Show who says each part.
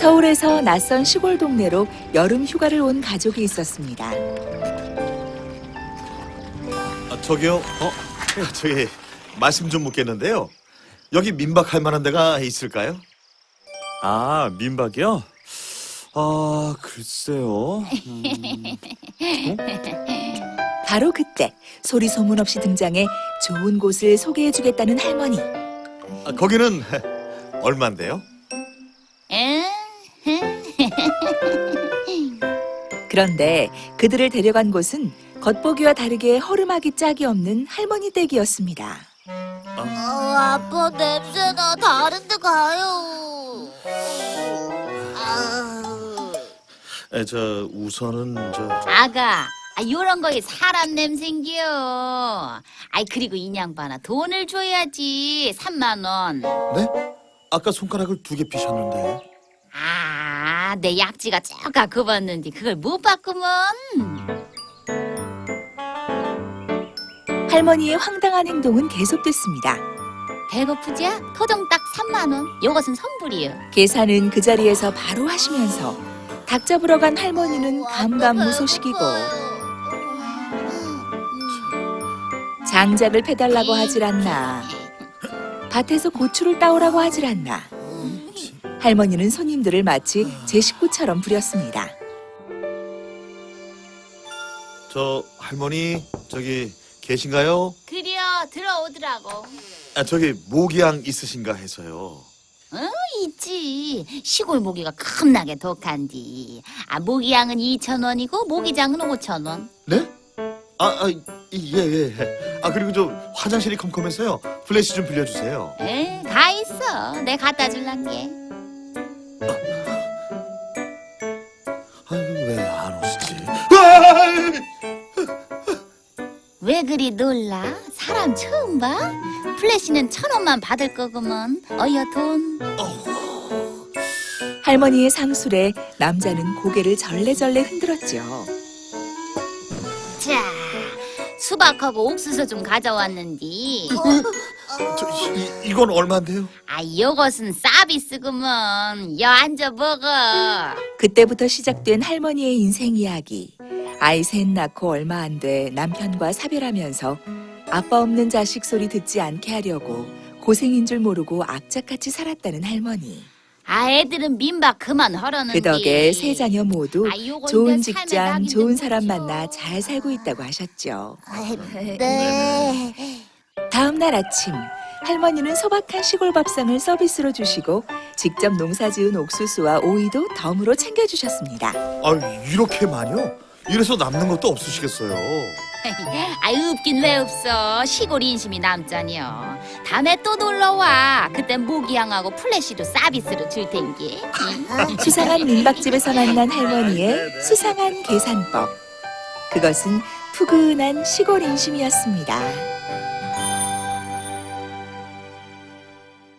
Speaker 1: 서울에서 낯선 시골 동네로 여름 휴가를 온 가족이 있었습니다.
Speaker 2: 저기요. 저기 말씀 좀 묻겠는데요. 여기 민박할 만한 데가 있을까요?
Speaker 3: 아, 민박이요? 아, 글쎄요.
Speaker 1: 바로 그때 소리 소문 없이 등장해 좋은 곳을 소개해주겠다는 할머니.
Speaker 2: 거기는 얼만데요?
Speaker 1: 그런데 그들을 데려간 곳은 겉보기와 다르게 허름하기 짝이 없는 할머니 댁이었습니다.
Speaker 4: 아빠 냄새나. 다른 데 가요.
Speaker 2: 우선은
Speaker 4: 아가, 요런 거에 사람 냄새인겨. 그리고 이 양반아, 돈을 줘야지. 3만 원.
Speaker 2: 네? 아까 손가락을 2개 피셨는데.
Speaker 4: 내 약지가 쪼까 굽었는데 그걸 못 봤구먼.
Speaker 1: 할머니의 황당한 행동은 계속됐습니다.
Speaker 4: 배고프지야? 토종 딱 3만 원. 요것은 선불이요.
Speaker 1: 계산은 그 자리에서 바로 하시면서 닭 잡으러 간 할머니는 감감무소식이고 장작을 패달라고 하질 않나, 밭에서 고추를 따오라고 하질 않나. 할머니는 손님들을 마치 제 식구처럼 부렸습니다.
Speaker 2: 할머니 저기 계신가요?
Speaker 4: 그려 들어오더라고.
Speaker 2: 저기 모기향 있으신가 해서요.
Speaker 4: 있지. 시골 모기가 겁나게 독한디. 모기향은 2,000원이고 모기장은 5,000원.
Speaker 2: 네? 예. 그리고 화장실이 컴컴해서요. 플래시 좀 빌려주세요.
Speaker 4: 가 있어. 내 갖다 줄란게.
Speaker 2: 왜 안 오시지?
Speaker 4: 왜 그리 놀라? 사람 처음 봐? 플래시는 1,000원만 받을 거구먼. 어여 돈.
Speaker 1: 할머니의 상술에 남자는 고개를 절레절레 흔들었죠.
Speaker 4: 자, 수박하고 옥수수 좀 가져왔는디.
Speaker 2: 이건 얼마인데요?
Speaker 4: 요것은 서비스구먼. 여 앉아 먹어.
Speaker 1: 그때부터 시작된 할머니의 인생 이야기. 아이 셋 낳고 얼마 안 돼 남편과 사별하면서 아빠 없는 자식 소리 듣지 않게 하려고 고생인 줄 모르고 악착같이 살았다는 할머니.
Speaker 4: 애들은 민박 그만 하라는데.
Speaker 1: 그 덕에 세 자녀 모두
Speaker 4: 요건
Speaker 1: 좋은
Speaker 4: 내 삶의
Speaker 1: 직장,
Speaker 4: 낙인
Speaker 1: 좋은
Speaker 4: 좀
Speaker 1: 사람
Speaker 4: 보죠.
Speaker 1: 만나 잘 살고 있다고 하셨죠.
Speaker 4: 네.
Speaker 1: 다음 날 아침 할머니는 소박한 시골 밥상을 서비스로 주시고 직접 농사지은 옥수수와 오이도 덤으로 챙겨주셨습니다.
Speaker 2: 이렇게 많이요? 이래서 남는 것도 없으시겠어요?
Speaker 4: 없긴 왜 없어. 시골 인심이 남자니요. 다음에 또 놀러와. 그땐 모기향하고 플래시도 서비스로 줄 텐게.
Speaker 1: 수상한 민박집에서 만난 할머니의 수상한 계산법. 그것은 푸근한 시골 인심이었습니다.